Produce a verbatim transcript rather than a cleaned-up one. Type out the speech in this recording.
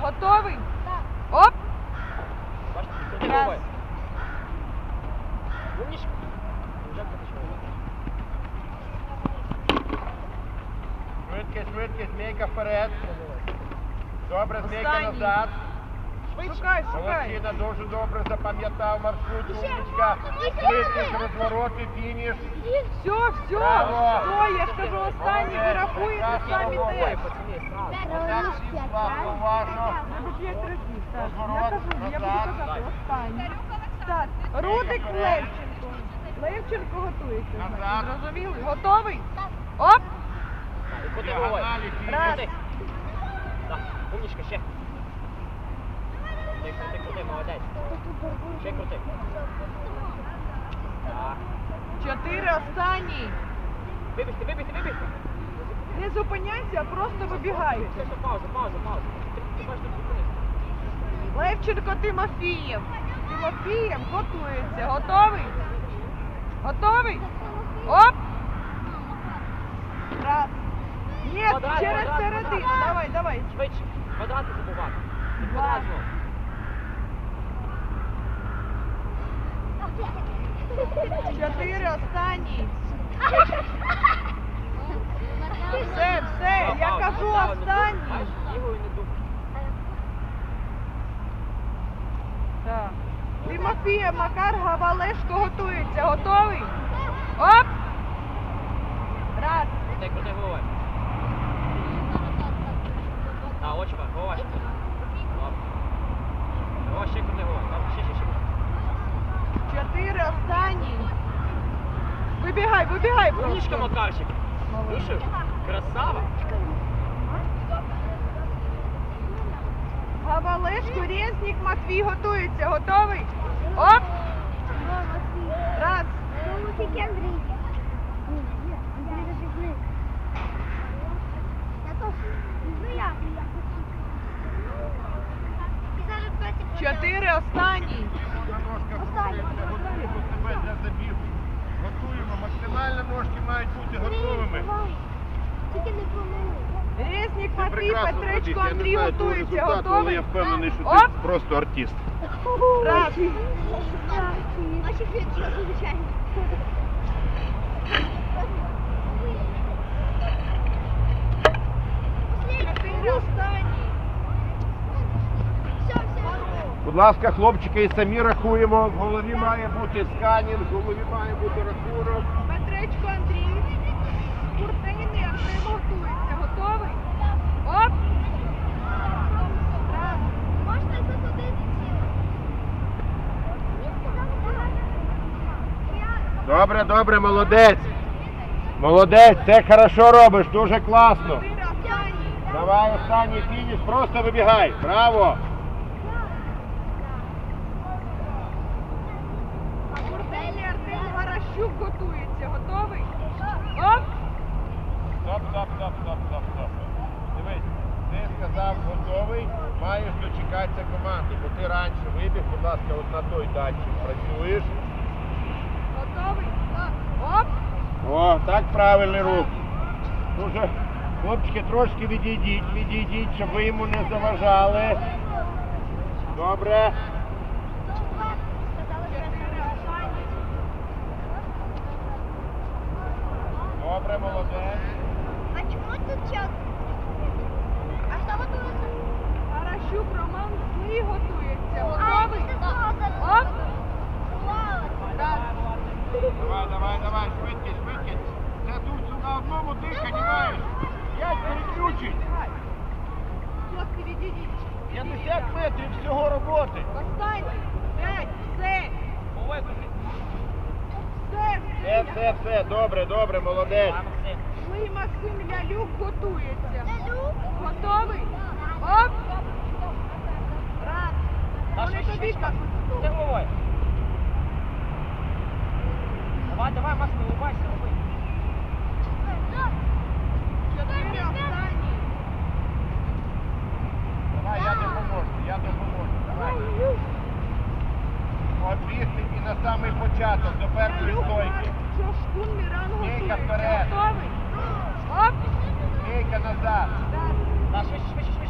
Готовий? Оп! Бачите, Раз. головою. Умничка. Швидкість, швидкість, змійка вперед. Добре, змійка Останній. назад. Шукай, шукай. Молодчина, дуже добре запам'ятав маршрут, умничка. Швидкість, розвороти, фініш. Все, все. Браво. Стой, я ж кажу останній, ви рахуєте самі теж. Отак всі класно, уважно. Треба п'ять разів. Так, я Розворот, кажу, я буду назад. казати останній. Так, Рудик Левченко. Левченко готується. значить. Назад. Зрозуміли? Готовий? Оп! Куди головою? Діагоналі, Раз. Крути. Так, умничка, ще. Крути, крути, крути, молодець. Ще крути. Так. Чотири останні. Вибігти, вибігти, вибігти. Не зупиняйся, а просто вибігайте. Все, все, пауза, пауза, пауза. Ти, ти можеш тут зупинитися. Левченко Тимофієв. Тимофієв готується. Готовий? Готовий? Оп! Раз. Ні, Квадрат, через квадрат, середину. квадрат. Давай, давай. Швидше. Квадрати забувати. І Два. квадрат знову. Чотири останні. Все, все, Пауза, я пауза, кажу пауза, не дуй. останній. Знаєш, лівою не дуй. Так. Тимофієв Макар Гавалешко готується. Готовий? Оп! Раз. Крути, крути головою. Так, очі, голова ще крути. Добре. Голова ще крути головою. Добре, ще, ще, ще. Чотири останні. Вибігай, вибігай Умничка, просто. Макарчик. Слушай, красава. Гавалешко, Резнік, Матвій готується. Готовий? Оп! Раз. Чотири останні. Ножка готується, готуємо себе для забігу. Готуємо, максимально ножки мають бути готовими. Тільки не помилуй. Резнік, Це Матвій, прекрасно, Петречко, Вадик, я не Андрій знаю твого готується. результату, але Готовий? я впевнений, що Оп! ти просто артист. Раз. Наші квітки, звичайно. Чотири останні. Все, все. Будь ласка, хлопчики, і самі рахуємо. В голові має бути сканінг, в голові має бути рахунок. Петречко, Андрій. Куртини, Артем готується. Готовий? Оп! Раз. Можна засадити тіло? Мені сказали, так. Добре, добре, молодець. Молодець, це хорошо робиш, дуже класно. Чотири останні. Давай останній фініш, просто вибігай. Браво! Куртини, Артем Гаращук готується. Готовий? Оп! Стоп, стоп, стоп, стоп, стоп, стоп. Дивись, ти сказав готовий, маєш дочекатися команди, бо ти раніше вибіг, будь ласка, от на той датчик працюєш. Готовий? Оп! О, так правильний рух. Дуже, хлопчики, трошки відійдіть, відійдіть, щоб ви йому не заважали. Добре. Чотири останні. Добре, молодець. А чому тут час? А хто готується? Гаращук Роман Злий готується. А, Готовий? це того за- Оп! Вау. Раз. Давай, давай, давай, швидкість, швидкість. Це тут на одному диханні маєш. П'ять переключень. Хлопці, відійдіть. п'ятдесят метрів всього роботи. Останній. П'ять. Все. Головою крути. Все. Все, все, все, добре, добре, молодець. Давай, Максим. Злий Максим Лялюк готується. Лялюк? Готовий? Оп! Раз. Даша, Вони тобі швидше, кажуть. крути головою. Давай, давай, Макс, не улыбайся, роби. Чотири останні. Давай, я допоможу, я допоможу. Давай. Обвісти і на самий початок, до першої стойки. Шошкун Міран Стійка готується. вперед. Готовий? Оп! Стійка назад. Раз. Да, швидше, швидше, швидше.